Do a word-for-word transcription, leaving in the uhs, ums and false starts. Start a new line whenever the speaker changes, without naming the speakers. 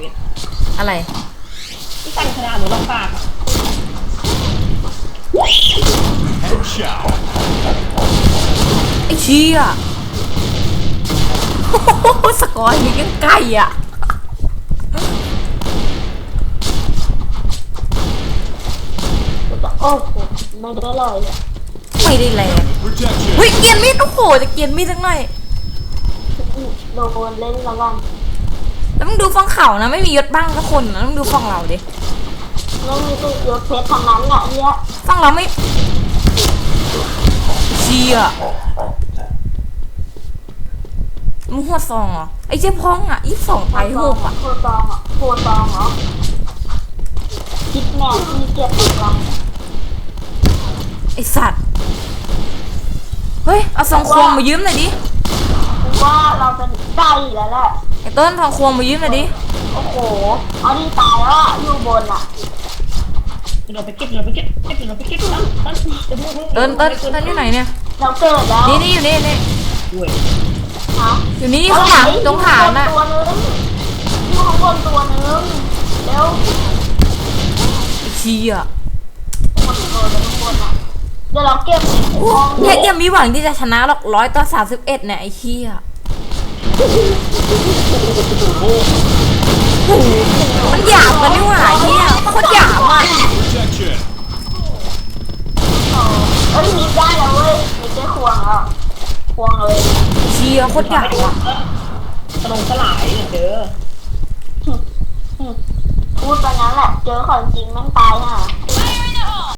วท
อะไร
ที่ตั้งขนาดหนูลองปาก
ไอ้เชี่ยสกอร์ยังใกล้อ่ะ
โอ้โหไม่ได้เลยอ่ะ
ไม่ได้แรงเฮ้ยเกียนมีดโอ้โหจะเกียนมีดสักหน่อย
โดนเล่นระวัง
แล้วมึงดูฝั่งเขานะไม่มียศบ้างสักคนนะมึงดูฝั่งเราดิ
ไม่มีตัวยศเพชรทางนั้นแหละเนี่ย
ฝั่งเราไม่เชี่ยมึงหัวซองเหรอไอ้เจ๊พ้องอ่ะยี่สิบสองไปหกอ่ะ
โคตองอ่ะโคตองเหรอคิดแม่ที่เก็บตัว
ไอสัตว์เฮ้ยเอาซองควงมายืมหน่อยดิ
ว่าเราเป็นไก่แล้วแหละ
ไอต้นซองควงมายืมหน่อยดิ
โอ้โหเอาดีตายแล้วอยู่บนอ่ะ
เราไปเก็บเราไปเก็บเก็บเราไปเก็บ
ต้นต้นต้นต้นอยู่ไหนเนี่ย
เราเกิดแล้ว
นี่นี่อยู่นี่นี่อยู่นี่ข้างหลังตรงฐานน่ะ
ตัวนึงอยู่ข้างบนตัวนึงแล้ว
เชี่ย
คนตัวนึงข้างบนอ่ะเดี๋ยวเราเก็บ
เนี่ยยังมีหวังที่จะชนะหรอกร้อยต่อสามสิบเอ็ดเนี่ยไอ้เชี่ยมันหยาบกันนี่หว่าเฮียโคตรหยาบอ่ะ
เอ้ยมีได้แล้วเว้ยมีได้ควงแล้วควงเลย
เชี่ยโคตรหยาบอ่ะ
สลงสลายเนี่ยเด้อ
พูดไปงั้นแหละเจอของจริงแม่งตายฮะ